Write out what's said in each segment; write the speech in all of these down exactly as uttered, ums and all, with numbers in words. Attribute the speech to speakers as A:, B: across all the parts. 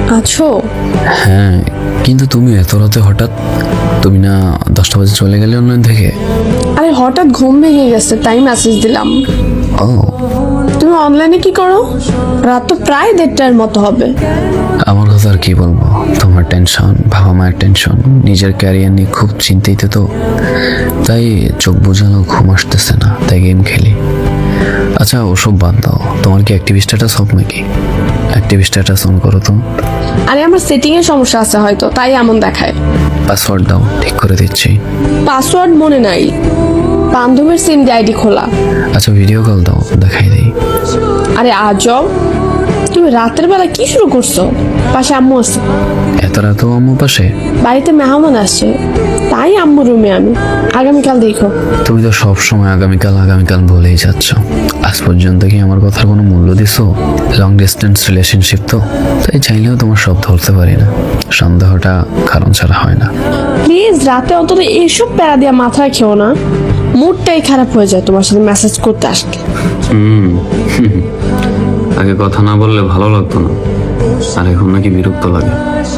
A: আছো?
B: হ্যাঁ, কিন্তু তুমি এত রাতে হঠাৎ? তুমি না দশটা বাজে চলে গেলে অনলাইন থেকে?
A: আরে হঠাৎ ঘুম ভেঙে গেছে তাই মেসেজ দিলাম।
B: ও,
A: তুমি অনলাইনে কি করো? রাত তো প্রায় দেড়টার মতো হবে।
B: আমার কথা আর কি বলবো, তোমার টেনশন, বাবা মায়ের টেনশন, নিজের ক্যারিয়ার নিয়ে খুব চিন্তিত তো, তাই চোখ বোঝানো ঘুম আসতেছে না, তাই গেম খেলি। আচ্ছা ওসব বাদ দাও, তোমার কি অ্যাক্টিভ স্ট্যাটাস অফ নাকি? অ্যাক্টিভ স্ট্যাটাস অন করো তো।
A: আরে আমার সেটিং এর সমস্যা আছে হয়তো, তাই এমন দেখায়।
B: পাসওয়ার্ড দাও, ঠিক করে দিচ্ছি।
A: পাসওয়ার্ড মনে নাই, বান্ধবীর সিম দিয়ে আইডি খোলা।
B: আচ্ছা ভিডিও কল দাও, দেখাই দিই।
A: আরে আজব, তুমি রাতের বেলা কি শুরু করছো? পাশে আম্মু আছে।
B: এত রাতেও আম্মু পাশে?
A: বাড়িতে মেহমান আসছে, তাই আম্মু রুমে আমি। আগামীকাল দেখো।
B: তুমি তো সব সময় আগামীকাল আগামীকাল বলেই যাচ্ছ। আজ পর্যন্ত কি আমার কথার কোনো মূল্য দিছো? লং ডিস্টেন্স রিলেশনশিপ তো, তাই চাইলেও তোমার সব ধরতে পারি না। সন্দেহটা কারণ ছাড়া হয় না।
A: প্লিজ রাতে অন্তত এইসব প্যারা দিয়া মাথায় খেও না, মুডটাই খারাপ হয়ে যায় তোমার সাথে মেসেজ করতে আসলে।
B: হুম আগে কথা না বললে ভালো লাগতো না, আর এখন নাকি বিরক্ত লাগে।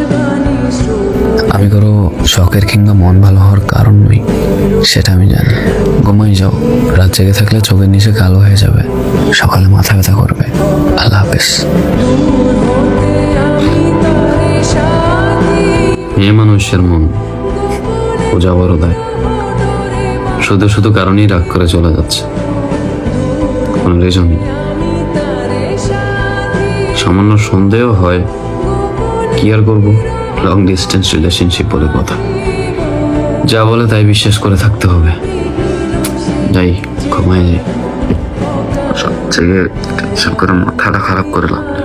B: আমি কারো শখের কিংবা মন ভালো হওয়ার কারণ নই, সেটা আমি জানি। ঘুমাই যাও, রাত জেগে থাকলে চোখের নিচে কালো হয়ে যাবে, সকালে মাথা ব্যথা করবে। আল্লাহ হাফেজ। মেয়ে মানুষের মন ও যাবারও দেয়, শুধু শুধু কারণেই রাগ করে চলে যাচ্ছে, কোনো রিজন নেই। সামান্য সন্দেহ হয়, কি আর করবো, লং ডিস্টেন্স রিলেশনশিপ বলে কথা। যা বলে তাই বিশ্বাস করে থাকতে হবে। যাই ঘুমাই যাই, সব থেকে টেনশন করে মাথাটা খারাপ করে লাভ নেই।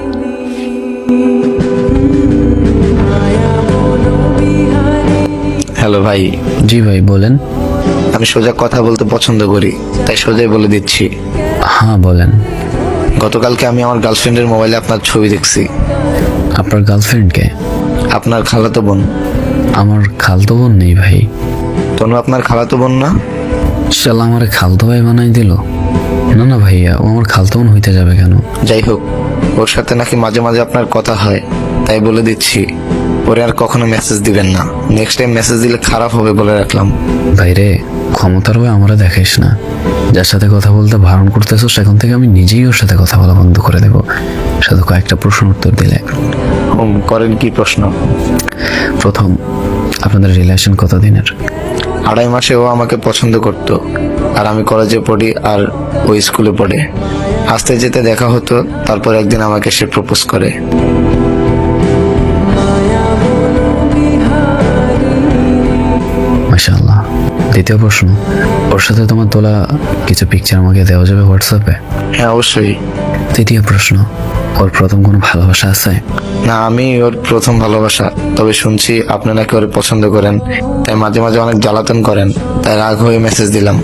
C: হ্যালো ভাই।
B: জি ভাই বলেন।
C: আমি সোজা কথা বলতে পছন্দ করি, তাই সোজাই বলে দিচ্ছি।
B: হ্যাঁ বলেন।
C: গতকালকে আমি আমার গার্লফ্রেন্ডের মোবাইলে আপনার ছবি দেখছি।
B: আপনার গার্লফ্রেন্ডকে?
C: আপনার খালাতো বোন।
B: আমার খালতো বোন নেই ভাই।
C: তনু আপনার খালাতো বোন না?
B: শালা আমার খালতো ভাই বানাই দিল। না না ভাইয়া, ও আমার খালতো বোন হইতে যাবে কেন?
C: যাই হোক, ওর সাথে নাকি মাঝে মাঝে আপনার কথা হয়, তাই বলে দিচ্ছি ওরে আর কখনো মেসেজ দিবেন না। নেক্সট টাইম মেসেজ দিলে খারাপ হবে বলে রাখলাম।
B: ভাইরে, ক্ষমতার ভাই আমরা দেখাইস না। যার সাথে কথা বলতে বারণ করতেছো, সেখান থেকে আমি নিজেই ওর সাথে কথা বলা বন্ধ করে দেবো, শুধু কয়েকটা প্রশ্ন উত্তর দিলে।
C: হুম, করেন কি প্রশ্ন?
B: প্রথম, আপনাদের রিলেশন কতদিনের?
C: আড়াই মাসে ও আমাকে পছন্দ করতো, আর আমি কলেজে পড়ি আর ও স্কুলে পড়ে। আসতে যেতে দেখা হতো, তারপর একদিন আমাকে সে প্রপোজ করে।
B: মাশাআল্লাহ। দ্বিতীয় প্রশ্ন, ওর সাথে তোমার তোলা কিছু পিকচার আমাকে দেওয়া যাবে হোয়াটসঅ্যাপে?
C: হ্যাঁ অবশ্যই।
B: তৃতীয় প্রশ্ন, ওর প্রথম কোনো ভালোবাসা আছে?
C: না, আমি ওর প্রথম ভালোবাসা। তবে শুনছি আপনি নাকি ওর পছন্দ করেন, তাই মাঝে মাঝে অনেক জ্বালাতন করেন, তাই রাগ হয়ে মেসেজ দিলাম।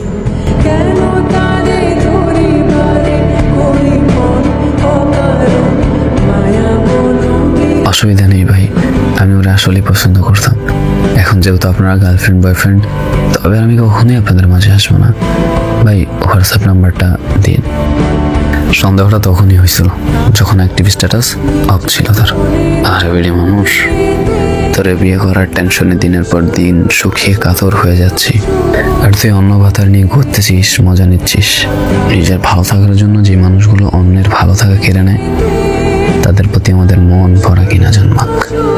B: অসুবিধা নেই ভাই, আমি ওরা আসলেই পছন্দ করতাম। এখন যেহেতু আপনারা গার্লফ্রেন্ড বয়ফ্রেন্ড, তবে আমি কখনোই আপনাদের মাঝে আসবো না। ভাই হোয়াটসঅ্যাপ নাম্বারটা দিন। সন্দেহটা তখনই হয়েছিল যখন অ্যাক্টিভ স্ট্যাটাস অফ ছিল তার। আরে বেড়ি মানুষ, তোরে বিয়ে করার টেনশনে দিনের পর দিন শুকিয়ে কাতর হয়ে যাচ্ছি, আর তুই অন্য ভাতার নিয়ে ঘুরতেছিস, মজা নিচ্ছিস। নিজের ভালো থাকার জন্য যে মানুষগুলো অন্যের ভালো থাকা কেড়ে নেয়, তাদের প্রতি আমাদের মন ভরা কিনা জন্মাক।